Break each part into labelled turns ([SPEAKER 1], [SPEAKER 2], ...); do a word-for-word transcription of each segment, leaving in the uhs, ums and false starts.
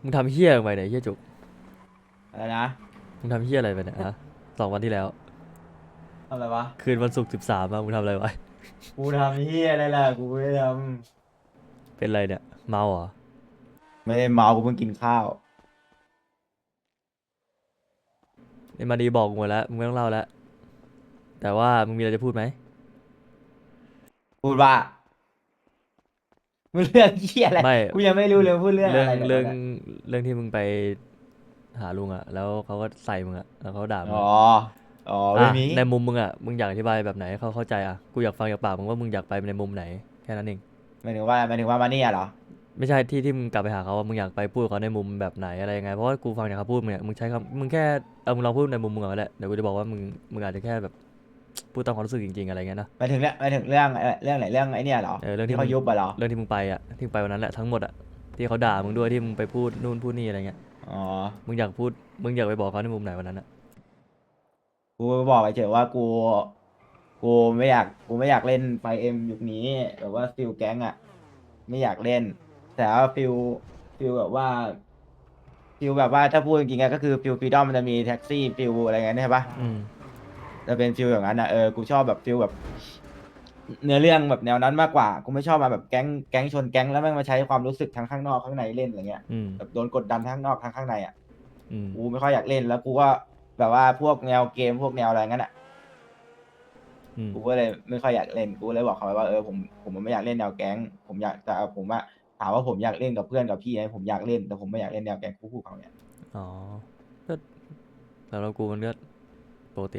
[SPEAKER 1] มึงทำเฮี้ยลงไปไหนยเฮี้ยจุก
[SPEAKER 2] อะไรนะ
[SPEAKER 1] มึงทำเฮี้ยอะไรไปเนี่ยฮะสองวันที่แล้ว
[SPEAKER 2] ทำอะไรวะ
[SPEAKER 1] คืนวันศุกร์สิบสามมึงทำอะไรไว้
[SPEAKER 2] กูทำเฮียอะไรล่ะกูไม่ได้ท
[SPEAKER 1] เป็นไรเนี่ยเมาเหรอ
[SPEAKER 2] ำไม่ได้เมากูเพิ่งกินข้าว
[SPEAKER 1] ไอ้มาดีบอกกูหมดแล้วมึงไม่ต้องเล่าแล้วแต่ว่ามึงมีอะไรจะพูดไหม
[SPEAKER 2] พูดว่ามึงเรื่องเฮียอะไร
[SPEAKER 1] ไม่
[SPEAKER 2] กูยังไม่รู้เลยพูดเรื่อง
[SPEAKER 1] เรื่อง
[SPEAKER 2] อะไรเนี่ย
[SPEAKER 1] เรื่อง
[SPEAKER 2] ตอนเนี้ย
[SPEAKER 1] เรื่องที่มึงไปหาลุงอะแล้วเขาก็ใส่มึงอะแล้วเขาด่ามึ
[SPEAKER 2] อ๋อ
[SPEAKER 1] งอะ
[SPEAKER 2] อ๋อ
[SPEAKER 1] อ่ะ
[SPEAKER 2] ไม่มี
[SPEAKER 1] ในมุมมึงอะมึงอยากอธิบายแบบไหนให้เขาเข้าใจอะกูอยากฟังจากปากมึงว่ามึงอยากไปในมุมไหนแค่นั้นเอง
[SPEAKER 2] หมายถึงว่าหมายถึงว่ามาเนี่ยเหรอ
[SPEAKER 1] ไม่ใช่ที่ที่มึงกลับไปหาเขาว่ามึงอยากไปพูดกับเขาในมุมแบบไหนอะไรยังไงเพราะว่ากูฟังจากเขาพูดมึงเนี่ยมึงใช้คำมึงแค่เออมึงลองพูดในมุมมึงก่อนก็ได้เดี๋ยวกูจะบอกว่ามึงมึงอาจจะแค่แบบพูดตามความรู้สึกจริงๆอะไรเงี้ยนะ
[SPEAKER 2] หมายถึงเรื่องหมายถึงเรื่องเรื่องไหนเรื่องไอ้เนี่ยเหรอ
[SPEAKER 1] เออเรื่อง
[SPEAKER 2] ที่เขา
[SPEAKER 1] ที่มึง
[SPEAKER 2] ยุบอะเหรอ
[SPEAKER 1] เรื่องที่มึงไปอ่ะที่มึงไปวันนั้นแหละทั้งหมดอ่ะที่เขาด่ามึงด้วยที่มึงไปพูดนู่นพูดนี่อะไรเงี้ย
[SPEAKER 2] อ๋อ
[SPEAKER 1] มึงอยากพูดมึงอยากไปบอกเขาในมุมไหนวันนั้นอ่ะ
[SPEAKER 2] กูบอกไปเฉยว่ากูกูไม่อยากกูไม่อยากเล่นไฟเอ็มยุคนี้แบบว่าฟิลแก๊งอะไม่อยากเล่นแต่ว่าฟิลฟิลแบบว่าฟิลแบบว่าถ้าพูดจริงๆอะก็คือฟิลฟรีดอมมันจะมีแท็กซี่ฟิลอะไรเงี้ยใช่ปะ
[SPEAKER 1] อืม
[SPEAKER 2] จะเป็นฟิลอย่างนั้นนะเออกูชอบแบบฟิลแบบเนื้อเรื่องแบบแนวนั้นมากกว่ากูไม่ชอบมาแบบแก๊งแก๊งชนแก๊งแล้วแม่งมาใช้ความรู้สึกทั้งข้างนอกข้างในเล่นอะไรเงี้ย
[SPEAKER 1] อืม
[SPEAKER 2] แบบโดนกดดันทั้งข้างนอกทั้งข้างในอ่ะ
[SPEAKER 1] อืม
[SPEAKER 2] กูไม่ค่อยอยากเล่นแล้วกูก็แบบว่าพวกแนวเกมพวกแนวอะไรงั้นอ่ะ
[SPEAKER 1] อืม
[SPEAKER 2] กูก็เลยไม่ค่อยอยากเล่นกูเลยบอกเขาไปว่าเออผมผมไม่อยากเล่นแนวแก๊งผมอยากแต่ผมอะถามว่าผมอยากเล่นกับเพื่อนกับพี่ไหมผมอยากเล่นแต่ผมไม่อยากเล่นแนวแก๊งคู่ๆเขาเนี่ย
[SPEAKER 1] อ๋อก็สำหรับกูมันก็ปกติ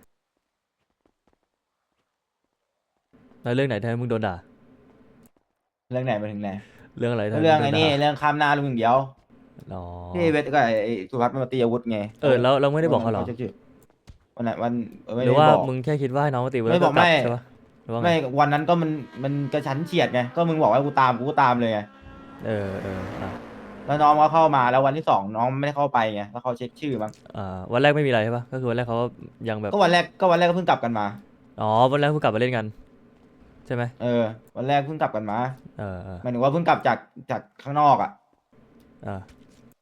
[SPEAKER 1] แล้วเรื่องไหนที่ให้มึงโดนด่า
[SPEAKER 2] เรื่องไหนมาถึงไหน
[SPEAKER 1] เรื่องอะไรที่
[SPEAKER 2] ก็เรื่องไอ้
[SPEAKER 1] ให้มึงโดนด่า
[SPEAKER 2] นี่เรื่องข้ามหน้าลุงอย่างเดียว
[SPEAKER 1] อ๋อ
[SPEAKER 2] ที่เวทก็ไอ้สุภัสมันมาตีอาวุธไง
[SPEAKER 1] เออ
[SPEAKER 2] เขา
[SPEAKER 1] แล้วเราไม่ได้
[SPEAKER 2] วันนั้น
[SPEAKER 1] บอกเขาเหรอ
[SPEAKER 2] เขาจะชื่อ วันไหนวันเออ
[SPEAKER 1] หรือว่า
[SPEAKER 2] ไม่ได้บอก
[SPEAKER 1] มึงแค่คิดว่าให้น้องมาตีแล้วก็
[SPEAKER 2] ไม่บอกไม่
[SPEAKER 1] กลับใช่ปะหรือว่าไง
[SPEAKER 2] ไม่วันนั้นก็มันมันกระชั้นเฉียดไงก็มึงบอกให้กูตามกูก็ตามเลยไง
[SPEAKER 1] เออเอออ่ะ
[SPEAKER 2] แล้วน้องก็เข้ามาแล้ววันที่สองน้องไม่ได้เข้าไปไงแล้วเขาเช็คชื่อมั้ง
[SPEAKER 1] อ่าวันแรกไม่มีอะไรใช่ปะก็คือวันแรกเขายังแบบ
[SPEAKER 2] ก็วันแรกก็วันแรกก็เพิ่งกลับกันมา
[SPEAKER 1] อ๋อวันแรกเพิ่งกลับมาเล่นกันใช่ไหม
[SPEAKER 2] เออวันแรกเพิ่งกลับกันมา
[SPEAKER 1] เออเออ
[SPEAKER 2] หมายถึงว่าเพิ่งกลับจากจากข้างนอกอ่ะ
[SPEAKER 1] อ่า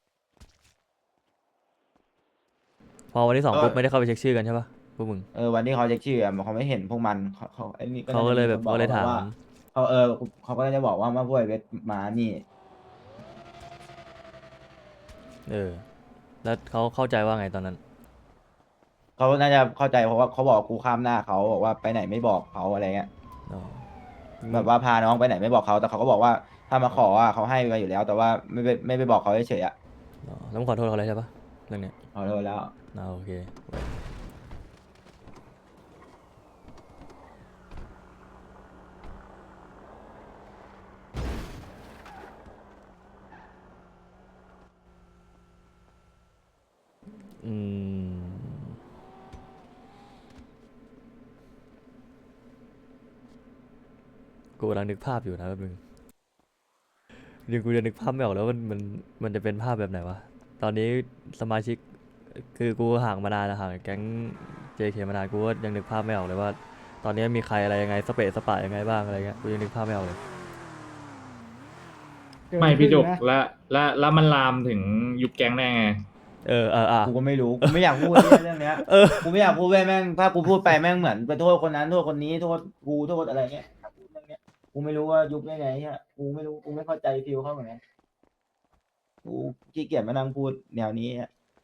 [SPEAKER 1] พอวันที่สอง
[SPEAKER 2] ก็
[SPEAKER 1] ปุ๊บไม่ได้เข้าไปเช็คชื่อกันใช่ปะพวกมึง
[SPEAKER 2] เออวันที่เขาเช็คชื่ออะเขาไม่เห็นพวกมันเขาเขาไอ้นี่ก็
[SPEAKER 1] เขา
[SPEAKER 2] น่าจะมีคน
[SPEAKER 1] ก็เลยแบบ
[SPEAKER 2] บอกเขาแบบว่า
[SPEAKER 1] ก็เลยถาม
[SPEAKER 2] เขาเออเขาก็น่าจะบอกว่ามาพวกไอ้เวทมานี่
[SPEAKER 1] เออแล้วเขาเข้าใจว่าไงตอนนั้น
[SPEAKER 2] เขาน่าจะเข้าใจเพราะว่าเขาบอกกูข้ามหน้าเขาบอกว่าไปไหนไม่บอกเขาอะไรเงี้ย
[SPEAKER 1] อ๋อ
[SPEAKER 2] แบบว่าพาน้องไปไหนไม่บอกเขาแต่เขาก็บอกว่าถ้ามาขออ่ะเขาให้มาอยู่แล้วแต่ว่าไม่ไปไม่ไปบอกเขาเฉยๆอ่ะ
[SPEAKER 1] อ๋อแล้วมึงขอโทษเขาเลยใช่ปะเรื่องเนี้ย
[SPEAKER 2] ขอโทษแล้ว
[SPEAKER 1] อ่าโอเคเว้ยอืมกูกำลังนึกภาพอยู่นะแป๊บนึงเดี๋ยวกูจะนึกภาพไม่ออกแล้วมันมันมันจะเป็นภาพแบบไหนวะตอนนี้สมาชิกคือกูห่างมานานนะห่างจากแก๊ง เจ เค มานานกูก็ยังนึกภาพไม่ออกเลยว่าตอนนี้มีใครอะไรยังไงสเปะสปะยังไงบ้างอะไรเงี้ยกูยังนึกภาพไม่ออกเลย
[SPEAKER 3] เกิน
[SPEAKER 4] ไม่พี่จุก
[SPEAKER 3] ครึ่งนะ
[SPEAKER 4] และและแล้วมันลามถึงยุบแก๊งได้ไง
[SPEAKER 1] เออเอออ่ะ
[SPEAKER 2] กูก็ไม่รู้กูไม่อยากพูดเรื่องเนี้ย
[SPEAKER 1] เออ
[SPEAKER 2] กูไม่อยากพูดเว้ยแม่งถ้ากูพูดไปแม่งเหมือนไปโทษคนนั้นโทษคนนี้โทษกูโทษอะไรเงี้ยถ้าพูดเรื่องเนี้ยกูไม่รู้ว่ายุบได้ไงเนี่ยกูไม่รู้กูไม่เข้าใจฟิลเขาเหมือนกันกูขี้เกียจมานั่งพูดแนวนี้อะ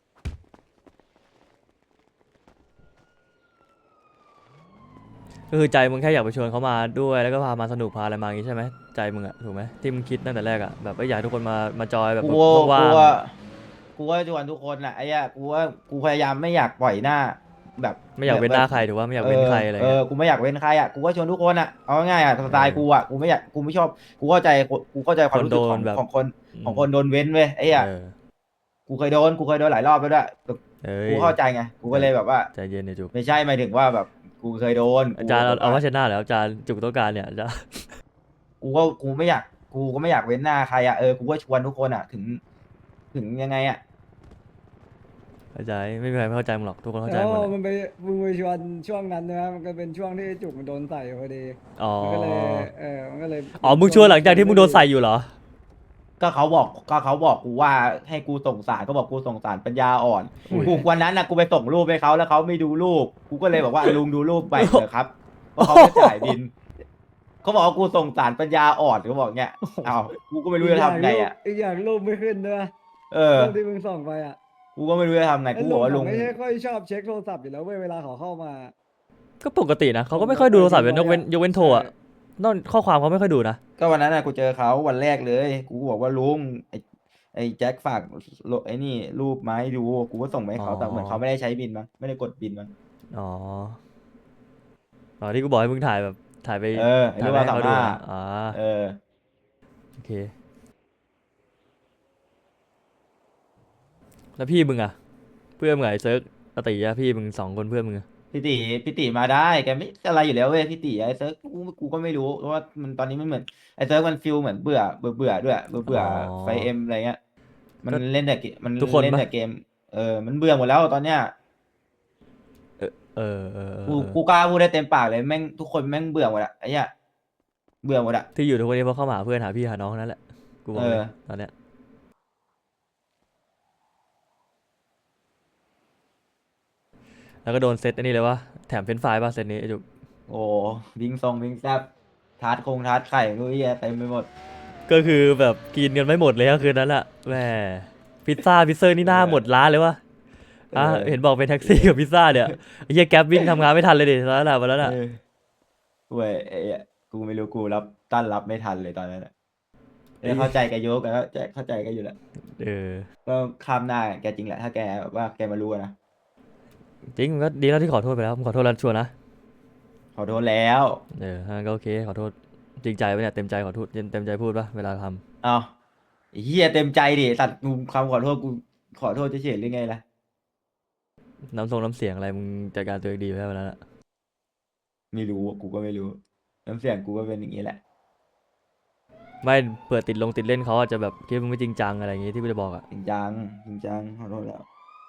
[SPEAKER 1] ก็คือใจมึงแค่อยากไปชวนเขามาด้วยแล้วก็พามาสนุกพาอะไรมาอย่างงี้ใช่ไหมใจมึงอะถูกไหมที่มึงคิดตั้งแต่แรกอะแบบว่าอยากให้ทุกคนมามาจอยแบบ
[SPEAKER 2] กู
[SPEAKER 1] ว่าง
[SPEAKER 2] กูว่ากูว่าชวนทุกคนแหละไอ้เหี้ยกูว่ากูพยายามไม่อยากปล่อยหน้าแบบ
[SPEAKER 1] ๆไม่อยาก
[SPEAKER 2] แบบแบบ
[SPEAKER 1] เว้นหน้าใครถูกว่าไม่อยาก
[SPEAKER 2] เออ
[SPEAKER 1] เว้นใครอะไร
[SPEAKER 2] เออ
[SPEAKER 1] เงี้ย
[SPEAKER 2] กูไม่อยากเว้นใครอ่ะกูก็ชวนทุกคนอ่ะเอาง่ายๆอ่ะส
[SPEAKER 1] เอ
[SPEAKER 2] ไตล์
[SPEAKER 1] อ
[SPEAKER 2] กูอ่ะกูไม่อยากกูไม่ชอบกูเข้าใจกูเข้าใจความรู้
[SPEAKER 1] คนโด
[SPEAKER 2] สึกของ
[SPEAKER 1] นแบบ
[SPEAKER 2] ของคน
[SPEAKER 1] อืม
[SPEAKER 2] ของคนโดนเว้นเว้ยไอ้เหี้ย
[SPEAKER 1] เออ
[SPEAKER 2] กูเคยโดนกูเคยโดนหลายรอบแล้วด้วยแต่
[SPEAKER 1] เอ้
[SPEAKER 2] กู
[SPEAKER 1] ย
[SPEAKER 2] เข้าใจไงกู
[SPEAKER 1] ใจ
[SPEAKER 2] ก็เลยแบบว่า
[SPEAKER 1] ใจเย็นเนี่ยจุก
[SPEAKER 2] ไม่ใช่หมายถึงว่าแบบกูเคยโดนกู
[SPEAKER 1] อาจารย์เอา
[SPEAKER 2] แบบว่า
[SPEAKER 1] เอาว่าชนะแล้วอาจารย์จุกต้องการเนี่ยอาจารย์
[SPEAKER 2] กูก็กูไม่อยากกูก็ไม่อยากเว้นหน้าใครอ่ะเออกูก็ชวนทุกคนอ่ะถึงถึงยังไงอ่ะ
[SPEAKER 1] เข้าใจไม่มีใครไม่เข้าใจมึงหรอกทุกคนเข้าใจ
[SPEAKER 3] แล้ว
[SPEAKER 1] หมดแหละ
[SPEAKER 3] มันไปมึงไปชวนช่วงนั้นนะมันก็เป็นช่วงที่จุกมันโดนใส่พอดี
[SPEAKER 1] อ๋อ
[SPEAKER 3] มันก็เลยเออมันก็เลย
[SPEAKER 1] อ๋อมึงชวนหลังจากที่มึงโดนใส่อยู่เหรอ
[SPEAKER 2] ก็เขาบอกก็เขาบอกกูว่าให้กูส่งสารก็บอกกูส่งสารปัญญาอ่อน
[SPEAKER 1] อุ้ย
[SPEAKER 2] กูวันนั้นนะกูไปส่งรูปให้เขาแล้วเขาไม่ดูรูปกูก็เลยบอกว่าลุงดูรูปไปเถอะครับเพราะเขาจะจ่ายบินเขาบอกว่ากูส่งสารปัญญาอ่อนเขาบอกเงี้ยอ้าวกูก็ไม่รู้จะทำไงอ่ะ
[SPEAKER 3] อีกอย่างรูปไม่ขึ้นด้วย
[SPEAKER 2] เออ
[SPEAKER 3] รูปที่มึงส่งไปอ่ะ
[SPEAKER 2] กูก็ไม่รู้จะทำไง
[SPEAKER 3] ไอ้
[SPEAKER 2] กู
[SPEAKER 3] ลุ
[SPEAKER 2] บอง กว่า
[SPEAKER 3] เขา
[SPEAKER 2] ลุง
[SPEAKER 3] ไม่ใช่ค่อยชอบเช็คโทรศัพท์อยู่แล้วเว้ยเวลาเขาเข้ามา
[SPEAKER 1] ก็ปกตินะเขาก็ไม่ค่อยดูโทรศัพท์ยกเว้นยกเว้นโทรอะนอกข้อความเขาไม่ค่อยดูนะ
[SPEAKER 2] ก็วันนั้นนะกูเจอเขาวันแรกเลย กูก็บอกว่าลุงไอ้ไอ้แจ็คฝากโลไอ้นี่รูปมาให้ดู กูก็ส่งไปให้เขาแต่เหมือนเขาไม่ได้ใช้บินมั้งไม่ได้กดบินมั้ง
[SPEAKER 1] อ๋ออ๋อที่กูบอกให้มึงถ่ายแบบถ่ายไป
[SPEAKER 2] เออไอ้
[SPEAKER 1] ถ่าย
[SPEAKER 2] รูป
[SPEAKER 1] ไป
[SPEAKER 2] เรา
[SPEAKER 1] ให้
[SPEAKER 2] สา
[SPEAKER 1] เขาดู
[SPEAKER 2] มารถ
[SPEAKER 1] อะอ๋อ
[SPEAKER 2] เออ
[SPEAKER 1] โอเคแล้วพี่มึงอะเพื่อนมึงอะไอ้เซิร์กอติอะพี่มึงสองคนเพื่อนมึงอะ
[SPEAKER 2] พี่ติพี่ติมาได้แกไม่อะไรอยู่แล้วเว้ยพี่ติไอ้เซิร์ฟกูกูก็ไม่รู้เพราะว่ามันตอนนี้มันเหมือนไอ้เซิร์ฟมันฟิลเหมือนเบื่อเบื่อเบื่อด้วยเบื่อเบื่อไฟเอ็มอะไรเงี้ยมันเล่นแต่เกมมัน
[SPEAKER 1] ทุกคน
[SPEAKER 2] เล่น
[SPEAKER 1] ปะ
[SPEAKER 2] แต่เกมเออมันเบื่อหมดแล้วตอนเนี้ย
[SPEAKER 1] เออเออเออเออ
[SPEAKER 2] กู
[SPEAKER 1] เออ
[SPEAKER 2] กูกล้าพูดได้เต็มปากเลยแม่งทุกคนแม่งเบื่อหมดอะไอ้เหี้ยเบื่อหมดอะ
[SPEAKER 1] ที่อยู่ทุกวันนี้เพราะเข้ามาหาเพื่อนหาพี่หาน้องนั่นแหละกูบอกเลย
[SPEAKER 2] เออ
[SPEAKER 1] ตอนเนี้ยแล้วก็โดนเซตอันนี้เลยวะแถมเฟรนช์ฟรายป่ะเซตนี้ไอ้จุก
[SPEAKER 2] โอ้วิงซองวิงแซบทาร์ตคงทาร์ตไข่รู้เหี้ยเต็มไปหมด
[SPEAKER 1] ก็คือแบบกินกันไม่หมดเลยก็คืนนั้นแหละแหมพิซซ่าพิซเซอร์นี่หน้าหมดร้านเลยวะอ่ะ
[SPEAKER 2] เออ
[SPEAKER 1] เห็นบอกเป็นแท็กซี่กับพิซซ่าเนี่ยไอ้เหี้ยแก๊ปวิ่งทำงานไม่ทันเลยดิตอนนั้นแหละวันนั้นอ่ะ
[SPEAKER 2] เออเว้ยไอ้เหี้ยกูไม่รู้กูรับต้านรับไม่ทันเลยตอนนั้นอะเออเข้าใจแกโยกแล้วแกเข้าใจแกอยู่แหละ
[SPEAKER 1] เออ
[SPEAKER 2] ก็ข้ามหน้าแกจริงแหละถ้าแกแบบว่าแกมารู้อะนะ
[SPEAKER 1] จริงมันก็ดีแล้วที่ขอโทษไปแล้วผมขอโทษแล้วชัวร์นะ
[SPEAKER 2] ขอโทษแล้ว
[SPEAKER 1] เออถ้างั้นก็โอเคขอโทษจริงใจปะเนี่ยเต็มใจขอโทษเต็มใจพูดปะเวลาทำ
[SPEAKER 2] เอาไอ้เฮียเต็มใจดิตัดกูคำขอโทษกูขอโทษเฉยๆหรือไงล่ะ
[SPEAKER 1] น้ำทรงน้ำเสียงอะไรมึงจัดการตัวเองดีไปแล้ววันนั้นอะ
[SPEAKER 2] ไม่รู้กูก็ไม่รู้น้ำเสียงกูก็เป็นอย่างนี้แหละ
[SPEAKER 1] ไม่เปิดติดลงติดเล่นเขาอาจจะแบบคิดว่ามึงไม่จริงจังอะไรอย่างงี้ที่กูจะบอกอ่ะ
[SPEAKER 2] จริงจังจริงจังขอโทษแล้ว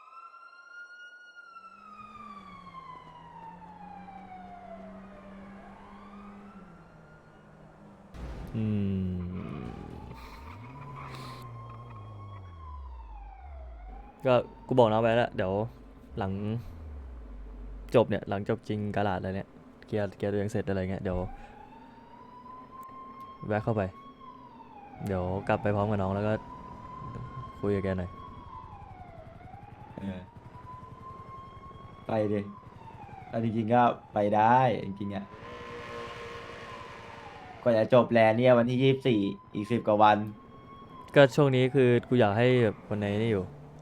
[SPEAKER 1] อืมก็กูบอกน้องไปแล้วเดี๋ยวหลังจบเนี่ยหลังจบจริงกาลาดอะไรเนี่ยเคลียร์เคลียร์ตัวเองเสร็จอะไรเงี้ยเดี๋ยวแวะเข้าไป เดี๋ยวกลับไปพร้อมกับน้องแล้วก็คุยกับแกหน่อย
[SPEAKER 2] เออไปดิเอาจริงๆก็ไปได้จริงๆอ่ะกว่าจะจบแลนด์เนี่ยวันที่ยี่สิบสี่อีกสิบกว่าวัน
[SPEAKER 1] ก็ช่วงนี้คือกูอยากให้แบบคนในนี่อยู่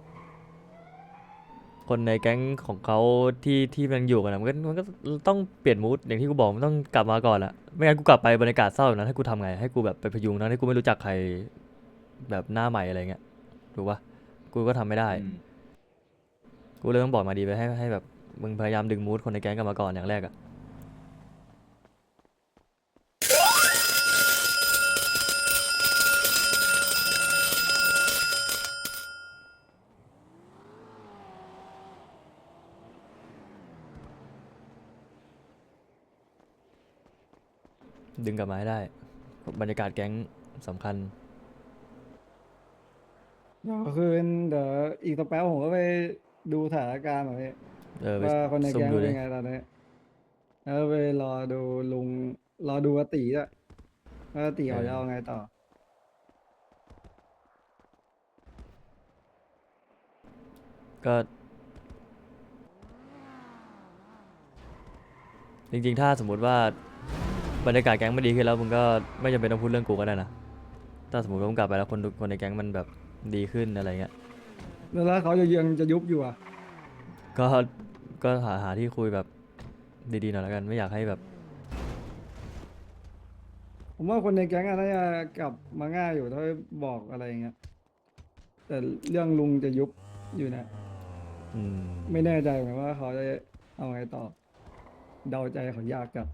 [SPEAKER 1] คนในแก๊งของเขาที่ที่มันอยู่กันอะมันก็มันก็ต้องเปลี่ยนมูดอย่างที่กูบอกมันต้องกลับมาก่อนอะไม่งั้นกูกลับไปบรรยากาศเศร้าแบบนั้นให้กูทำไงให้กูแบบไปพยุงทั้งที่กูไม่รู้จักใครแบบหน้าใหม่อะไรเงี้ยถูกปะกูก็ทำไม่ได้
[SPEAKER 2] อืม
[SPEAKER 1] กูเลยต้องบอกมาดีไปให้ให้แบบมึงพยายามดึงมูดคนในแก๊งกลับมาก่อนอย่างแรกอะดึงกลับมาให้ได้บรรยากาศแก๊งสำคัญ
[SPEAKER 3] เดี๋ยวคืนเดี๋ยวอีกสักแป๊บผมก็ไปดูสถานการณ์หน่อยพี่
[SPEAKER 1] เออไป
[SPEAKER 3] ว่าคนใน
[SPEAKER 1] ซุ่ม
[SPEAKER 3] แก๊ง
[SPEAKER 1] ดู
[SPEAKER 3] เป็
[SPEAKER 1] ดิ
[SPEAKER 3] นไงตอนนี้แล้วไปรอดูลุงรอดูอาตีด้วยว่าอาตีเขาจะเอาไงต่อ
[SPEAKER 1] ก็จริงๆ ถ้าสมมุติว่าบรรยากาศแก๊งไม่ดีขึ้นแล้วมึงก็ไม่จำเป็นต้องพูดเรื่องกูก็ได้นะ ถ้าสมมติว่ามึงกลับไปแล้วคนดูคนในแก๊งมันแบบดีขึ้นอะไรเงี้ย
[SPEAKER 3] แล้วเขาจะยังจะยุบอยู่อ่ะ
[SPEAKER 1] ก็ก็หาหาที่คุยแบบดีๆหน่อยแล้วกันไม่อยากให้แบบ
[SPEAKER 3] ผมว่าคนในแก๊งอะน่าจะกลับมาง่ายอยู่ถ้าบอกอะไรอย่างเงี้ยแต่เรื่องลุงจะยุบอยู่นะ
[SPEAKER 1] อืม
[SPEAKER 3] ไม่แน่ใจเหมือนกันว่าเขาจะเอาไงต่อ เดาใจเขายากจัด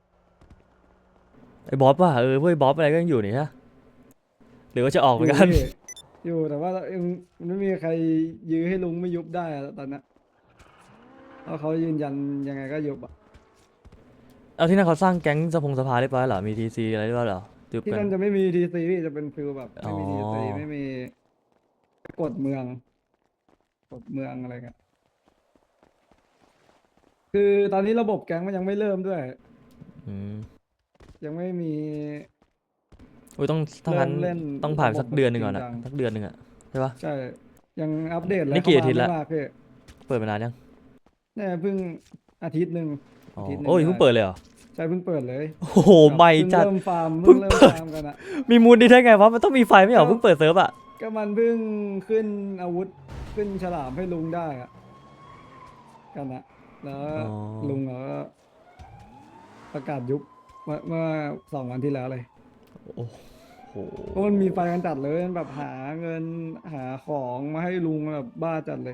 [SPEAKER 1] ไอ้บ๊อบว่ะเออพวกไอ้บ๊อบอะไรก็ยังอยู่นี่ฮะหรือว่าจะออกเหมือนกัน
[SPEAKER 3] ยู่พี่อยู่แต่ว่ายังไม่มีใครยื้อให้ลุงไม่ยุบได้อะตอนนั้นเพราะเขายืนยันยังไงก็ยุบอ่ะ
[SPEAKER 1] เอาที่นั่นเขาสร้างแก๊งสะพงสภาเรียบร้อยเหรอมีทีซีอะไรเรียบร้อยเหรอจุบ
[SPEAKER 3] ที่
[SPEAKER 1] กั
[SPEAKER 3] นั่
[SPEAKER 1] น
[SPEAKER 3] นจะไม่มีทีซีพี่จะเป็นฟิลแบบ
[SPEAKER 1] อ๋
[SPEAKER 3] ไม่
[SPEAKER 1] อ
[SPEAKER 3] มีทีซีไม่มีกฎเมืองกฎเมืองอะไรเงี้ยคือตอนนี้ระบบแก๊งมันยังไม่เริ่มด้วย
[SPEAKER 1] อืม
[SPEAKER 3] ยังไม่มี
[SPEAKER 1] อุ้ยต้องถ้างั้น
[SPEAKER 3] เริ่มเล่น
[SPEAKER 1] ต้องผ่าน
[SPEAKER 3] ระบบ
[SPEAKER 1] สักเดือนหนึ่งก่อน
[SPEAKER 3] จริ
[SPEAKER 1] อะ
[SPEAKER 3] งจัง
[SPEAKER 1] สักเดือนหนึ่งอะใช่ปะ
[SPEAKER 3] ใช่ ยังอัปเดตอะไร
[SPEAKER 1] นี่กี่
[SPEAKER 3] เข้า
[SPEAKER 1] อาทิตย์
[SPEAKER 3] มา
[SPEAKER 1] ละ
[SPEAKER 3] ไม่มากพี่
[SPEAKER 1] เปิดมานานยัง
[SPEAKER 3] เนี่ยเพิ่งอาทิตย์หนึ่ง
[SPEAKER 1] อ๋อ
[SPEAKER 3] อาทิตย์หนึ่ง
[SPEAKER 1] โอ้ย
[SPEAKER 3] ได้
[SPEAKER 1] เพิ่งเปิดเลยเหรอ
[SPEAKER 3] ใช่เพิ่งเปิดเลย
[SPEAKER 1] โอ้โห
[SPEAKER 3] แบบ
[SPEAKER 1] ใหม่
[SPEAKER 3] เพิ่ง
[SPEAKER 1] จัด
[SPEAKER 3] เริ่มฟาร์ม
[SPEAKER 1] เพิ่
[SPEAKER 3] เพิ่
[SPEAKER 1] ง
[SPEAKER 3] งเริ่ม
[SPEAKER 1] เปิด
[SPEAKER 3] ฟาร์มกันอะ
[SPEAKER 1] มีมูลดีได้ไงวะ มันต้องมีไฟไม่เหรอ
[SPEAKER 3] ก็
[SPEAKER 1] เพิ่งเปิดเซิร์ฟอะ
[SPEAKER 3] ก็มันเพิ่งขึ้นอาวุธขึ้นฉลามให้ลุงได้อะกันอะแล้ว
[SPEAKER 1] อ๋อ
[SPEAKER 3] ลุงเขาก็ประกาศยุบเมื่อเมื่อสองวันที่แล้วเลย
[SPEAKER 1] โอ้โห
[SPEAKER 3] เพราะมันมีไฟกันจัดเลยมันแบบหาเงินหาของมาให้ลุงแบบบ้าจัดเลย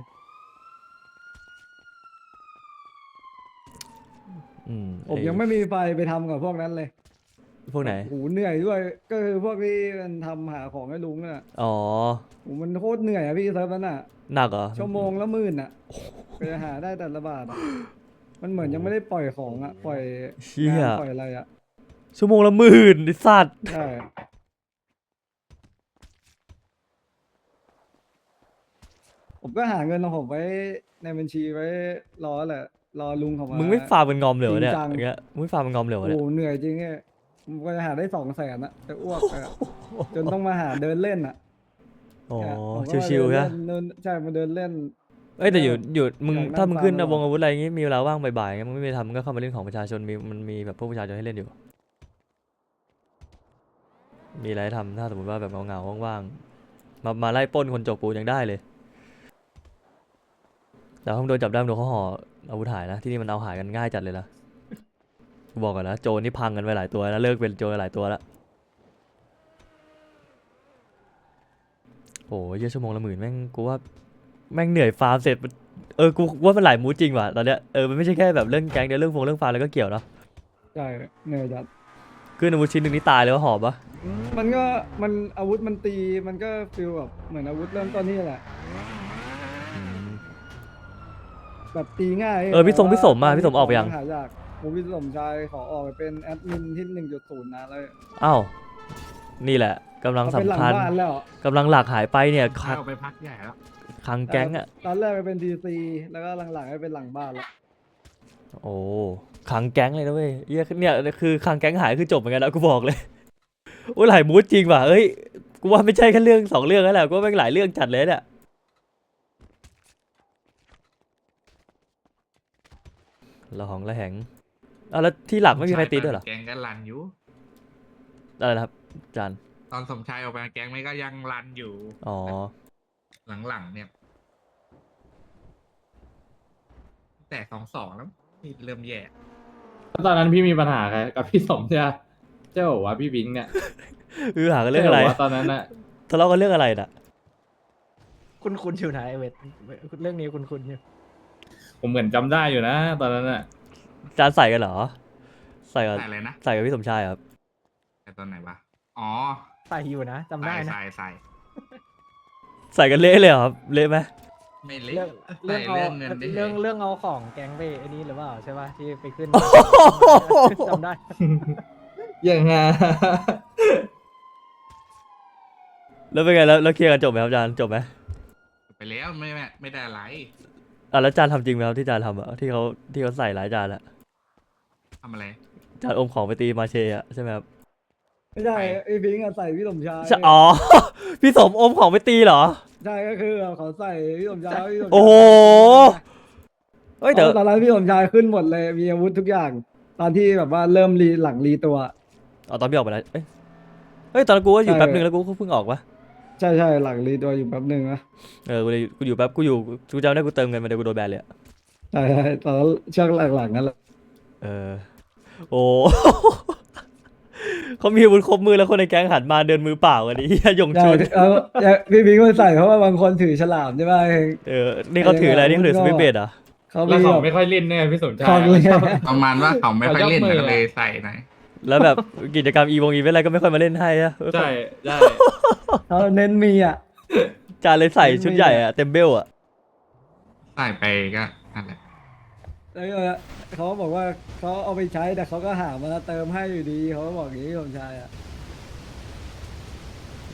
[SPEAKER 1] อืม
[SPEAKER 3] ผม
[SPEAKER 1] อ้
[SPEAKER 3] ยังไม่มีไฟไปทำกับพวกนั้นเลย
[SPEAKER 1] พวกไหน
[SPEAKER 3] โอ้โหเหนื่อยด้วย ก็คือพวกที่มันทำหาของให้ลุงน่ะ
[SPEAKER 1] อ๋อ
[SPEAKER 3] โอ้โหมันโคตรเหนื่อยอะพี่เซิร์ฟนั้นอะ
[SPEAKER 1] หนักเหรอ
[SPEAKER 3] ชั่วโมงละหมื่นอะไปหาได้แต่ละบาทอะมันเหมือนยังไม่ได้ปล่อยของอะปล่อย
[SPEAKER 1] เชี่ย
[SPEAKER 3] งานปล่อยอะไรอะ
[SPEAKER 1] ชั่วโมงละหมื่นไอ้สัตว์
[SPEAKER 3] ใช่ผมก็หาเงินของผมไว้ในบัญชีไว้รอแหละ รอลุงเขามา
[SPEAKER 1] มึงไม่ฟาร์มเป็นงอมเหลยวะเนี่ย
[SPEAKER 3] จริงจัง
[SPEAKER 1] อย่างเงี้ยมึงไม่ฟาร์มเป็นงอมเหลวะ
[SPEAKER 3] โอ้
[SPEAKER 1] เนี่ย
[SPEAKER 3] โหเหนื่อยจริงไงผมก็จะหาได้สองแสนอะจะอ้วกอะ จนต้องมาหาเดินเล่นอะ
[SPEAKER 1] อ๋อ
[SPEAKER 3] เนี่ยผมก็มา
[SPEAKER 1] ชิวๆ
[SPEAKER 3] เดิ
[SPEAKER 1] ใช่
[SPEAKER 3] นเล่นเดินใช่มาเดินเล่น
[SPEAKER 1] เอ้ยแต่อยู่อยู่มึง
[SPEAKER 3] อยากนั่ง
[SPEAKER 1] ถ้ามึงขึ้น
[SPEAKER 3] ฟังตลอด
[SPEAKER 1] วงอาวุธอะไรอย่างงี้มีเวลาว่างบ่ายๆงั้นมึงไม่ไปทำมึงก็เข้ามาเล่นของประชาชนมีมันมีแบบพวกประชาชนให้เล่นอยู่ มีอะไรให้ทำถ้าสมมติว่าแบบเหงาๆว่างๆมามาไล่ปล้นคนจกปูนยังได้เลย แต่ถ้ามึงโดนจับได้มึงโดนเขาห่ออาวุธหายนะที่นี่มันเอาหายกันง่ายจัดเลยนะกูบอกก่อนนะโจรนี่พังกันไปหลายตัวแล้วเลิกเป็นโจรหลายตัวแล้วโอ้ยเยอะชั่วโมงละหมื่นแม่งกูว่าแม่งเหนื่อยฟาร์มเสร็จมันเออกูว่ามันหลายมูดจริงว่ะตอนเนี้ยเออมันไม่ใช่แค่แบบเรื่องแก๊งเดียวเรื่องฟงเรื่องฟาร์มแล้วก็เกี่ยวเนาะ
[SPEAKER 3] ใช่เหนื่อยจัด
[SPEAKER 1] ขึ้นอาวุธชิ้นหนึ่งนี่ตายเลยว่าหอบปะ
[SPEAKER 3] มันก็มันอาวุธมันตีมันก็ฟีลแบบเหมือนอาวุธเริ่มต้นนี่แหละ แบบตีง่าย
[SPEAKER 1] เออพี่ทรง
[SPEAKER 3] แต่
[SPEAKER 1] พี่สมอะ
[SPEAKER 3] ว่า
[SPEAKER 1] พี่สมออกไปยัง
[SPEAKER 3] หายากผมพี่สมชายขอออกไปเป็นแอดมินที่หนึ่งจุดศูนย์นะแล้ว
[SPEAKER 1] อ้าวนี่แหละกำลัง
[SPEAKER 3] เขาเป็นหลั
[SPEAKER 1] สำคัญ
[SPEAKER 3] บ้านแล้ว
[SPEAKER 1] กำลังหลักหายไปเนี่ยค
[SPEAKER 4] พา
[SPEAKER 1] ลัง
[SPEAKER 4] ออกไปพักใหญ่แล้ว
[SPEAKER 1] คลังแก๊งอะ
[SPEAKER 3] ตอนแรกไปเป็นทีซีแล้วก็หลังๆไปเป็นหลังบ้านแล้ว
[SPEAKER 1] โอ้คลังแก๊งเลยนะเว้ยเหี้ยเนี่ยคือคลังแก๊งหายคือจบเหมือนกันแล้วกูบอกเลย โอ้ยหลายมูดจริงว่ะเอ้ยกูว่าไม่ใช่แค่เรื่องสองเรื่องแล้วแหละกูว่าแม่งหลายเรื่องจัดเลยเนี่ยละหองละแหงอ่ะแล้วที่หลักไม่มีใครตีด้วยเหรอ
[SPEAKER 5] แก๊งก็รันอยู่
[SPEAKER 1] อะไรนะครับจาน
[SPEAKER 5] ตอนสมชายออกไปแก๊งไม่ก็ยังรันอยู่
[SPEAKER 1] อ๋อ
[SPEAKER 5] หลังๆเนี่ย แต่สองสองแล้วนี่เริ่มแย่
[SPEAKER 4] แล้วตอนนั้นพี่มีปัญหาใครกับพี่สมใช่ไหมเจ้าบอกว่าพี่บิงเนี่ย
[SPEAKER 1] คือหากันเรื่องอะไร
[SPEAKER 4] จ้าบกว่าตอนนั้นน่ะ
[SPEAKER 1] ทะเลาะกันเรื่องอะไรน่ะ
[SPEAKER 6] คุณคุณอยู่ไหนไอ้เวทเรื่องนี้คุณคุณอยู่
[SPEAKER 4] ผมเหมือนจำได้อยู่นะ ตอนนั้นน่ะ
[SPEAKER 1] จานใส่กันเหรอใส่กับ
[SPEAKER 5] ใส่อะไรนะ
[SPEAKER 1] ใส่กับพี่สมชายครับ
[SPEAKER 5] แต่ตอนไหนวะ อ๋อ
[SPEAKER 6] ใส่อยู่นะจำได้
[SPEAKER 5] ใส่
[SPEAKER 6] นะ
[SPEAKER 5] ใส่ใส่
[SPEAKER 1] ใส่กันเละเลยเหรอครับเละไหม
[SPEAKER 5] ไม่เล็
[SPEAKER 6] เรื่อง
[SPEAKER 5] ใส่
[SPEAKER 6] เรื่องเอา
[SPEAKER 5] เรื่องเงินได้
[SPEAKER 6] เรื่องเรื่องเอาของแก๊งไปไอ้นี่หรือเปล่าใช่ป่ะที่ไปขึ้นจำได้
[SPEAKER 4] ยังไง
[SPEAKER 1] แล้วเป็นไงแล้วแล้วเคลียร์กันจบไหมครับจานจบไหม
[SPEAKER 5] ไปแล้วไม่ไม่ไม่ได้อะไร
[SPEAKER 1] อ่ะแล้วจานทำจริงไหมครับที่จานทำอ่ะที่เขาที่เขาใส่หลายจานอะ
[SPEAKER 5] ทำอะไร
[SPEAKER 1] จานอมของไปตีมาเชอะใช่ไหมครับ
[SPEAKER 3] ไม่ใช่
[SPEAKER 5] ไป
[SPEAKER 3] ไอ้พิงค์อะใส่พี่สมชาย
[SPEAKER 1] ใช่อ๋อ พี่สมอมของไปตีเหรอ
[SPEAKER 3] ใช่ก็คือเขาใส่พี่สมชายพี่สมชาย
[SPEAKER 1] โอ้โหเฮ้ยแต่
[SPEAKER 3] ตอนนั้นพี่สมชายขึ้นหมดเลยมีอาวุธทุกอย่าง ตอนที่แบบว่าเริ่มรีหลังรีตัว
[SPEAKER 1] อ๋อตอนพี่ออกไปแล้วเอ้ยเฮ้ยตอนนั้นกูก็อยู่
[SPEAKER 3] ใช่
[SPEAKER 1] แป๊บนึงแล้วกูก็เพิ่งออกปะ
[SPEAKER 3] ใช่ใช่หลังรีตัวอยู่แป๊บหนึ่งนะ
[SPEAKER 1] เออกูเลยกูอยู่แป๊บกูอยู่กูจำได้กูเติมเงินมาเดี๋ยวกูโดนแบนเลยอะ
[SPEAKER 3] ใช่ใช่ตอนนั้นช่วงหลังๆนั่นแหละ
[SPEAKER 1] เออโอ้ เขามีอาวุธครบมือแล้วคนในแก๊งหันมาเดินมือเปล่ากันดิ ยง
[SPEAKER 3] ใช่
[SPEAKER 1] ชุน
[SPEAKER 3] แล้วพี่พิงค์มันใส่เพราะว่าบางคนถือฉลามใช่ไหม
[SPEAKER 1] เออนี่เขาถืออะไรนี่เขาถือสวิตช์เบดเหรอ
[SPEAKER 3] เขา
[SPEAKER 4] แล้ว
[SPEAKER 3] มี
[SPEAKER 4] เขา
[SPEAKER 3] แบบ
[SPEAKER 4] ไม่ค่อยเล่นเนี่ยพี่สมชาย
[SPEAKER 3] ของเลย
[SPEAKER 5] ประมาณว่าเขาไม่ค่อยเล่น
[SPEAKER 4] เขายกมือ
[SPEAKER 5] ก็เลยใส่หน่อย
[SPEAKER 1] แล้วแบบกิจกรรมอีวงอีเวนต์อะไรก็ไม่ค่อยมาเล่นให้อะ
[SPEAKER 4] ใช่ใช่
[SPEAKER 3] เขาเน้นมีอ่ะ
[SPEAKER 1] จานเลยใส่ชุดใหญ่อะเต็มเบลอะ
[SPEAKER 5] ใส่ไปก็นั่นแหละ
[SPEAKER 3] แล้วก็เขาบอกว่าเขาเอาไปใช้แต่เขาก็หามาเติมให้อยู่ดีเขาก็บอกอย่างนี้พี่สมชายอ่ะ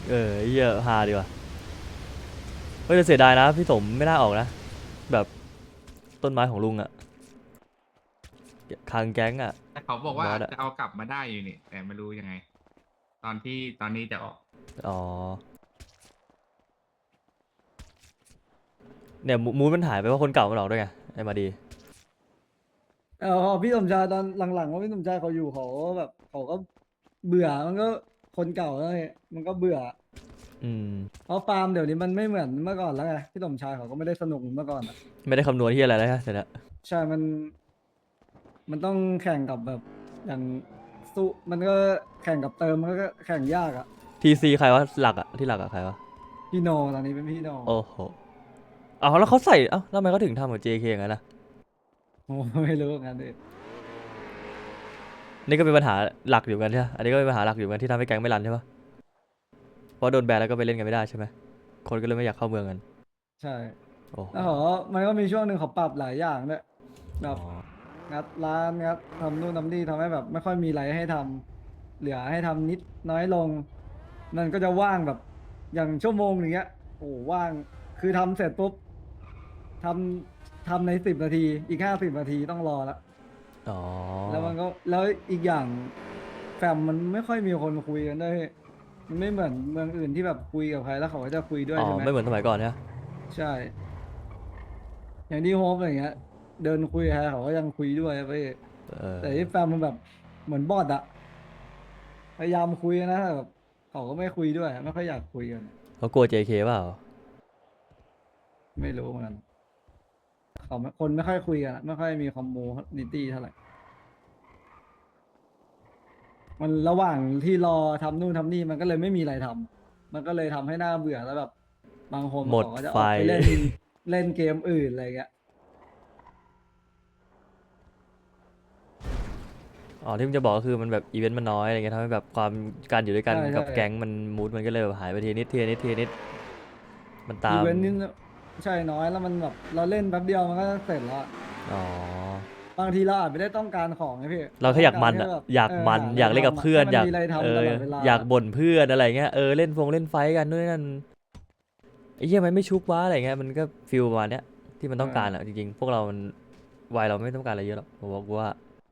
[SPEAKER 1] เออไอ้เหี้ยฮาดีว่ะเฮ้ยแต่เสียดายนะพี่สมไม่น่าออกนะแบบต้นไม้ของลุงอะคางแก๊งอะ
[SPEAKER 5] แต่เขาบอกว่า
[SPEAKER 1] บอสอะ
[SPEAKER 5] จะเอากลับมาได้อยู่นี่ แต่ไม่รู้ยังไง ตอนที่ตอนนี้จะออก
[SPEAKER 1] อ๋อเนี่ยมูมูดมันหายไปเพราะคนเก่ามันออกด้วยไงไอ้มาดี
[SPEAKER 3] เออพอพี่สมชายตอนหลังๆว่าพี่สมชายเขาอยู่เขาก็แบบเขาก็เบื่อมันก็คนเก่าแล้วไงมันก็เบื่อ
[SPEAKER 1] อืม
[SPEAKER 3] เพราะฟาร์มเดี๋ยวนี้มันไม่เหมือนเมื่อก่อนแล้วไงพี่สมชายเขาก็ไม่ได้สนุกเหมือนเมื่อก่อนอะ
[SPEAKER 1] ไม่ได้คำนวณที่อะไรแล้วฮะเดี๋ยวนะ
[SPEAKER 3] ใช่มัน มันต้องแข่งกับแบบอย่างสู้มันก็แข่งกับเติมมันก็แข่งยากอะ
[SPEAKER 1] ทีซีใครวะหลักอะที่หลักอะใครวะ
[SPEAKER 3] พี่โนตอนนี้เป็นพี่โน
[SPEAKER 1] โอ้โหเอาแล้วเขาใส่เอ้าแล้วทำไมเขาถึงทำกับ เจ เค อย่างนั้นนะ
[SPEAKER 3] โอ้ไม่รู้เหมือนกันดิ
[SPEAKER 1] นี่ก็เป็นปัญหาหลักอยู่กันใช่ไหมอันนี้ก็เป็นปัญหาหลักอยู่กันที่ทำให้แก๊งไม่รันใช่ปะเพราะโดนแบนแล้วก็ไปเล่นกันไม่ได้ใช่ไหมคนก็เลยไม่อยากเข้าเมืองกัน
[SPEAKER 3] ใช่
[SPEAKER 1] โอ้โห
[SPEAKER 3] แล้วเขาก็มันก็มีช่วงหนึ่งเขาปรับหลายอย่างด้วยแบ
[SPEAKER 1] อ๋
[SPEAKER 3] บ
[SPEAKER 1] อ
[SPEAKER 3] งัดร้านงัดทำนู่นทำนี่ทำให้แบบ ไม่ค่อยมีอะไรให้ทำเหลือให้ทำนิดน้อยลง มันก็จะว่างแบบอย่างชั่วโมงอย่างเงี้ยโอ้ว่างคือทำเสร็จปุ๊บทำทำในสิบนาที อีกห้าสิบนาทีต้องรอละ
[SPEAKER 1] อ๋อ
[SPEAKER 3] แล้วมันก็แล้วอีกอย่างแฟมมันไม่ค่อยมีคนคุยกันด้วยมันไม่เหมือนเมืองอื่นที่แบบคุยกับใครแล้วเขาก็จะคุยด้วย
[SPEAKER 1] อ๋อ
[SPEAKER 3] ใช่ไหม
[SPEAKER 1] ไม่เหมือนสมัยก่อนใช่ไหม
[SPEAKER 3] ใช่ อย่างที่โฮปอะไรเงี้ย เดินคุยกับใครเขาก็ยังคุยด้วยไป
[SPEAKER 1] เออ
[SPEAKER 3] แต่ที่แฟมมันแบบเหมือนบอทอะพยายามคุยนะแต่แบบเขาก็ไม่คุยด้วยไม่ค่อยอยากคุยกัน
[SPEAKER 1] เขากลัว เจ เค เปล่า
[SPEAKER 3] ไม่รู้เหมือนกันเขาไม่คนไม่ค่อยคุยกันอะไม่ค่อยมีคอมมูนิตี้เท่าไหร่ มันระหว่างที่รอทำนู่นทำนี่มันก็เลยไม่มีอะไรทำมันก็เลยทำให้หน้าเบื่อแล้วแบบบางคน
[SPEAKER 1] หมด
[SPEAKER 3] เขาก็จะอ
[SPEAKER 1] ไฟ
[SPEAKER 3] อกไปเล่น เล่นเกมอื่นอะไรเงี้ย
[SPEAKER 1] อ๋อที่มึงจะบอกก็คือมันแบบอีเวนต์มันน้อยอะไรเงี้ยทำให้แบบความการอยู่ด้วยกัน
[SPEAKER 3] ใช่
[SPEAKER 1] กับ
[SPEAKER 3] ใช่
[SPEAKER 1] แก๊งมันมูดมันก็เลยแบบหายไปทีนิดทีนิดทีนิดมันตา
[SPEAKER 3] อี
[SPEAKER 1] ม
[SPEAKER 3] เวนต์นี่ใช่น้อยแล้วมันแบบเราเล่นแป๊บเดียวมันก็เสร็จแล้วอะ
[SPEAKER 1] อ๋อ
[SPEAKER 3] บางทีเราอาจไม่ได้ต้องการของไงพี่
[SPEAKER 1] เราแค่อยากมัน
[SPEAKER 3] ต้
[SPEAKER 1] อะ
[SPEAKER 3] งรแค่แบบ
[SPEAKER 1] อยากมัน
[SPEAKER 3] หะไร
[SPEAKER 1] อยากเล่นกับ
[SPEAKER 3] ทำะ
[SPEAKER 1] เพื่อน
[SPEAKER 3] ให้
[SPEAKER 1] อยาก
[SPEAKER 3] มัมีอะไรทำ
[SPEAKER 1] เอ
[SPEAKER 3] ต
[SPEAKER 1] อ
[SPEAKER 3] ลอดเวลา
[SPEAKER 1] อยากบ่นเพื่อนอะไรเงี้ยเออเล่นฟงเล่นไฟท์กันนู่นนนั่นไอ้เหี้ยมันไม่ชุบวะอะไรเงี้ยมันก็ฟิลประมาณเนี้ยที่มันต้องการอะจริงๆพวกเรามันวัยเราไม่ต้องการอะไรเยอะหรอกผมบอกว่า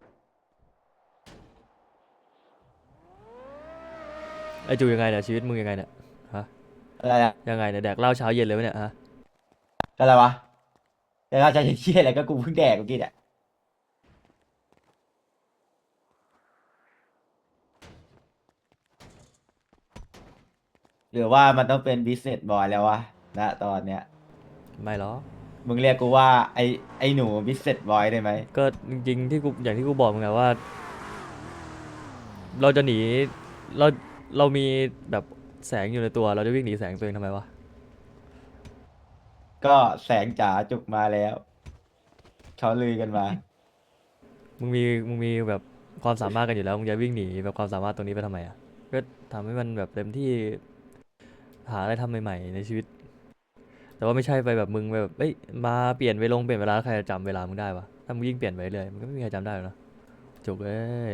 [SPEAKER 1] ไอ้จูยังไงเนี่ยชีวิตมึงยังไงเนี่ยฮะ
[SPEAKER 2] อะไรอะ
[SPEAKER 1] ยังไงเนี่ยแดกเหล้าเช้าเย็นเลยไหมเนี่ยฮะ
[SPEAKER 2] อะไรวะแต่เราจะเชี่ยอะไรก็กูเพิ่งแดกเมื่อกี้เนี่ยหรือว่ามันต้องเป็น business boy แล้ววะณตอนเนี้ย
[SPEAKER 1] ไม่หรอก
[SPEAKER 2] มึงเรียกกูว่าไอไอหนู business boy ได้ไหม
[SPEAKER 1] ก็จริงๆที่กูอย่างที่กูบอกมึงไงว่า เราจะหนีเราเรามีแบบแสงอยู่ในตัวเราจะวิ่งหนีแสงตัวเองทำไมวะ
[SPEAKER 2] ก็แสงจ๋าจุกมาแล้วเขาลือกันมา
[SPEAKER 1] มึงมีมึงมีแบบความสามารถกันอยู่แล้วมึงจะวิ่งหนีแบบความสามารถตรงนี้ไปทำไมอ่ะก็ทำให้มันแบบเต็มที่หาอะไรทำใหม่ๆในชีวิต แต่ว่าไม่ใช่ไปแบบมึงไปแบบเอ้ยมาเปลี่ยนเวลงเปลี่ยนเวลาแล้วใครจะจำเวลามึงได้วะถ้ามึงยิ่งเปลี่ยนไปเรื่อยมันก็ไม่มีใครจำได้หรอกนะจุกเอ้ย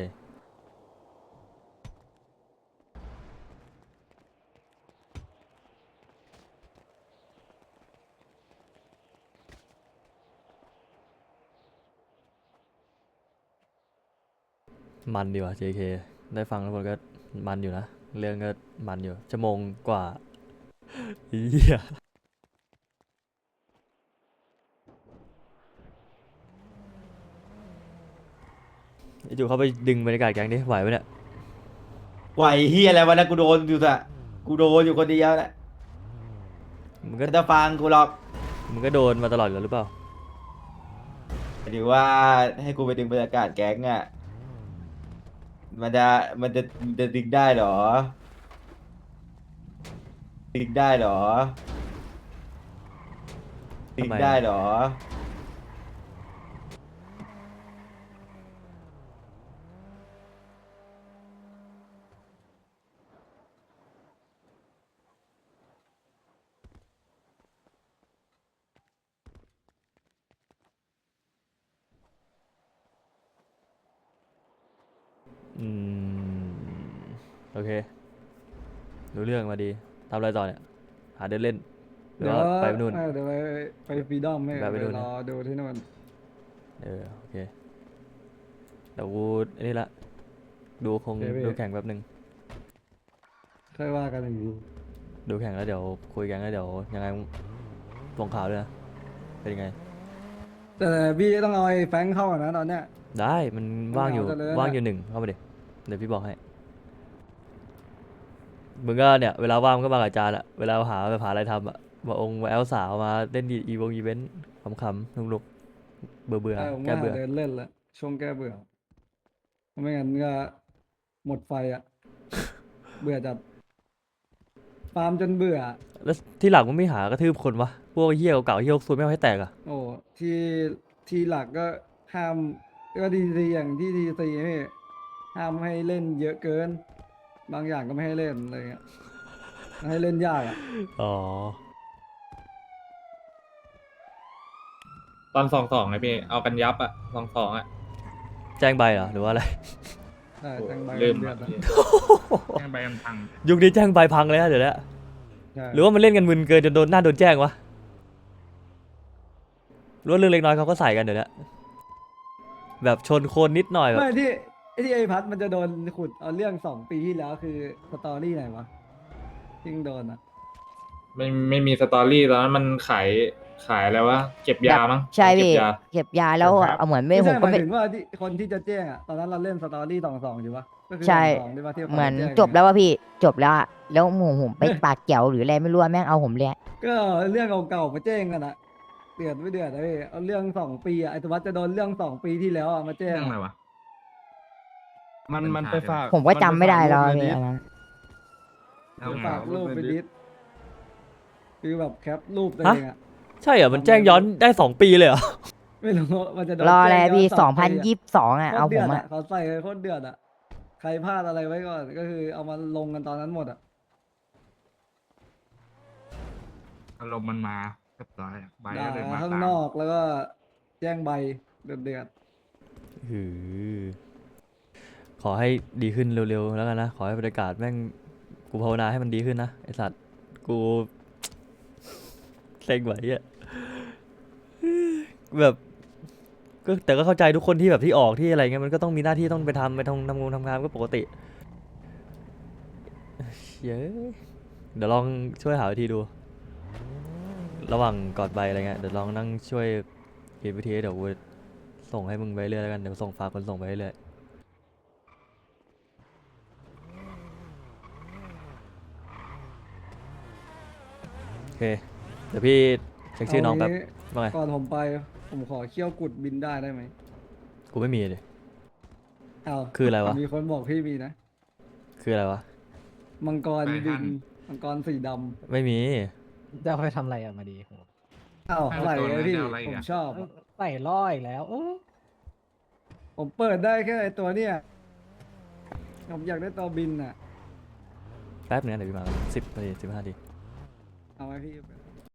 [SPEAKER 1] มันดีว่ะ เจ เค ได้ฟังแล้วคนก็มันอยู่นะเรื่องก็มันอยู่ชั่วโมงกว่าเหี้ยไอ้จูเข้าไปดึงบรรยากาศแก๊งดิไหวปะเนี่ย
[SPEAKER 2] ไหวเฮียอะไรวะนะกูโดนอยู่อะกูโดนอยู่คนเดียวแหละ
[SPEAKER 1] มึงก็
[SPEAKER 2] ก็จะฟังกูหรอก
[SPEAKER 1] มึงก็โดนมาตลอดอยู่แล้วหรือเปล่า
[SPEAKER 2] หรือว่าให้กูไปดึงบรรยากาศแก๊งอะมันจะมันจะมันจะดึงได้เหรอดึงได้เหรอดึง
[SPEAKER 1] ทำไมอะ
[SPEAKER 2] ได้เหรอ
[SPEAKER 1] อืม โอเค รู้เรื่องมาดีทำอะไรต่อเนี่ยหาเดินเล่นหรือ
[SPEAKER 3] เดี๋ยว
[SPEAKER 1] ว่าไปนู่น
[SPEAKER 3] เออเดี๋ยวไปไปฟรีดอมให้
[SPEAKER 1] แบบไป
[SPEAKER 3] ไป
[SPEAKER 1] นู่น
[SPEAKER 3] ร
[SPEAKER 1] นะ
[SPEAKER 3] อดูที่นู่น
[SPEAKER 1] เออโอเคเดี๋ยวกูอันนี้ละดูคง
[SPEAKER 6] โอเคพี่
[SPEAKER 1] ดูแข่งแป๊บนึง
[SPEAKER 3] ค่อยว่ากันอย่างนี้
[SPEAKER 1] ดูแข่งแล้วเดี๋ยวคุยกันแล้วเดี๋ยวยังไงส่งข่าวด้วยนะเป็นยังไง
[SPEAKER 3] แต่พี่ต้องเอาไอ้แฟรงค์เข้าก่อนนะตอนเนี้ย
[SPEAKER 1] ได้มันว่างอยู่
[SPEAKER 3] เอาแต่เลยนะ
[SPEAKER 1] ว่างอยู่หนึ่งเข้ามาดิเดี๋ยวพี่บอกให้มึงก็เนี่ยเวลาว่างมึงก็มากับอาจารย์อะเวลาหาแบบหาอะไรทำอะมาองค์มาแอลสาวมาเล่นอีวงอีเวนต์ขำๆสนุกๆเบื่อเบื่อ
[SPEAKER 3] เออผม
[SPEAKER 1] แก้
[SPEAKER 3] ว่า
[SPEAKER 1] เบื่อ
[SPEAKER 3] เดินเล่นละช่วงแก้เบื่อไม่งั้นก็หมดไฟอ่ะ เบื่อจัดฟาร์มจนเบื่อ
[SPEAKER 1] แล้วที่หลังมึงไม่หากระทืบคนวะพวกเหี้ยเก่าๆเหี้ยซวยไม่เอาให้แตกอะ
[SPEAKER 3] โอ้ที่ที่หลักก็ห้ามก็ดีซีอย่างที่ดีซีพี่ห้ามให้เล่นเยอะเกิน บางอย่างก็ไม่ให้เล่นอะไรเงี้ยให้เล่นยากอ่ะ
[SPEAKER 1] อ๋อ
[SPEAKER 4] ตอนสองสองไงพี่เอากันยับอะสองสองอะ
[SPEAKER 1] แจ้งใบเหรอหรือว่าอะไร
[SPEAKER 3] ใช่แจ้งใบ
[SPEAKER 4] ลืม
[SPEAKER 3] เดือ
[SPEAKER 4] อะ
[SPEAKER 3] ดอะ
[SPEAKER 4] พี่
[SPEAKER 5] แจ้งใบกำพัง
[SPEAKER 1] ยุคนี้แจ้งใบพังเลยนะเดี๋ยวนี้
[SPEAKER 3] ใช่
[SPEAKER 1] หรือว่ามันเล่นกันมึนเกินจนโดนหน้าโดนแจ้งวะหรือว่าเรื่องเล็กน้อยเขาก็ใส่กันเดี๋ยวนี้แบบชนโคนนิดหน่อยแบบ
[SPEAKER 3] ไม่ที่ไอ้ที่ไอ้พัดมันจะโดนขุดเอาเรื่องสองปีที่แล้วคือสตอรี่ไหนวะที่โดนอ่ะ
[SPEAKER 4] ไม่ไม่มีสตอรี่ตอนนั้นมันขายขายอะไรวะเก็บยามั้ง
[SPEAKER 7] ใช่
[SPEAKER 4] เก็
[SPEAKER 7] พี่
[SPEAKER 4] บยา
[SPEAKER 7] เก็บยาแล้ว
[SPEAKER 5] ครับ
[SPEAKER 7] เอาเหมือนไม่
[SPEAKER 3] ไม่
[SPEAKER 7] ผ
[SPEAKER 3] ใช่
[SPEAKER 7] ม
[SPEAKER 3] ห
[SPEAKER 7] ก็
[SPEAKER 3] มาย
[SPEAKER 7] ไม่
[SPEAKER 3] ถึงว่าที่คนที่จะแจ้งอ่ะตอนนั้นเราเล่นสตอรี่สองสองอยู่ปะก็คือ
[SPEAKER 7] ใช่
[SPEAKER 3] สองที่ว่าที่ขา
[SPEAKER 7] เหมือน
[SPEAKER 3] แจ้ง
[SPEAKER 7] จบแล้วว่าพี่จบแล้วอะแล้วหมูผมไปปากเกี่ยวหรืออะไรไม่รู้อะแม่งเอาผมเลยอะ
[SPEAKER 3] ก็เรื่องเก่าๆมาแจ้งกันอะเดือดไม่เดือดเลยเอาเรื่องสองปีอะไอ้ตัววัดจะโดนเรื่องสองปีที่แล้วอะมาแจ้ง
[SPEAKER 5] เรื่องอะไร
[SPEAKER 3] อะ
[SPEAKER 5] วะ
[SPEAKER 8] มันมันไปฝาก
[SPEAKER 7] ผมก็จำไม่ได้แล้ว
[SPEAKER 8] มัน
[SPEAKER 7] พี่
[SPEAKER 8] ไป
[SPEAKER 7] อันนั้น
[SPEAKER 5] แล้ว
[SPEAKER 3] ไป
[SPEAKER 5] ไง
[SPEAKER 3] ฝาก
[SPEAKER 5] วะ
[SPEAKER 3] รูปไปดิสคือแบบแคปรูปตัว
[SPEAKER 1] ฮะ
[SPEAKER 3] เองอะ
[SPEAKER 1] ใช่เหรอมันแจ้งย้อนได้สองปีเลยเหรอ
[SPEAKER 3] ไม่รู้มันจะโดน
[SPEAKER 7] รออะไร
[SPEAKER 3] แจ้ย้
[SPEAKER 7] พี่
[SPEAKER 3] น
[SPEAKER 7] สองพัน
[SPEAKER 3] ปี
[SPEAKER 7] ยี่สิบสองอะ
[SPEAKER 3] โค
[SPEAKER 7] เอา
[SPEAKER 3] ตร
[SPEAKER 7] ผ
[SPEAKER 3] เดือ
[SPEAKER 7] ม
[SPEAKER 3] ด
[SPEAKER 7] อะ
[SPEAKER 3] อะเขาใส่โคตรเดือดอะใครพลาดอะไรไว้ก่อนก็คือเอามาลงกันตอนนั้นหมดอะ
[SPEAKER 5] อารมณ์มันมาเรียบร้อยอะใบ
[SPEAKER 3] ด่า
[SPEAKER 5] ก็เลยมา
[SPEAKER 3] ข้าง
[SPEAKER 5] ตาม
[SPEAKER 3] นอกแล้วก็แจ้งใบเดือดเดือด
[SPEAKER 1] หือขอให้ดีขึ้นเร็วๆแล้วกันนะ ขอให้บรรยากาศแม่งกูภาวนาให้มันดีขึ้นนะไอสัตว์กู เซ็งไหวอะแบบก็แต่ก็เข้าใจทุกคนที่แบบที่ออกที่อะไรเงี้ยมันก็ต้องมีหน้าที่ต้องไปทำไปทำทำงานทำงานก็ปกติเย้ยเดี๋ยวลองช่วยหาวิธีดู ระหว่างก่อนไปอะไรเงี้ยเดี๋ยวลองนั่งช่วยคิดวิธีเดี๋ยวกูส่งให้มึงไปเรื่อยแล้วกันเดี๋ยวส่งฝากคนส่งไปเรื่อยโอเคเดี๋ยวพี่เช็คชื่อน้องแป๊บ
[SPEAKER 3] เา
[SPEAKER 1] ว่าไง
[SPEAKER 3] ก่อนผมไป ผมขอเขี้ยวกุดบินได้ได้ไหม
[SPEAKER 1] กูไม่มีเลย
[SPEAKER 3] อ้าว
[SPEAKER 1] คืออะไรวะ
[SPEAKER 3] มีคนบอกพี่มีนะ
[SPEAKER 1] คืออะไรวะ
[SPEAKER 3] มังกรบิน มังกรสีด
[SPEAKER 1] ไม่มี
[SPEAKER 6] จะเอาไปทำอะไรอะมาดีโห
[SPEAKER 3] ำอ้าวใส่เลยพี่
[SPEAKER 5] เอาอะไรอีก
[SPEAKER 3] ผม
[SPEAKER 5] อะ
[SPEAKER 3] ชอบอะ
[SPEAKER 6] ใส่ล่ออีกแล้วโอ้
[SPEAKER 3] ผมเปิดได้แค่ไอตัวเนี้ยผมอยากได้ตัวบินอ่ะ
[SPEAKER 1] แป๊บนึงนะเดี๋ยวพี่มาสิบนาทีสิบห้านาที
[SPEAKER 3] เอาไหมพี่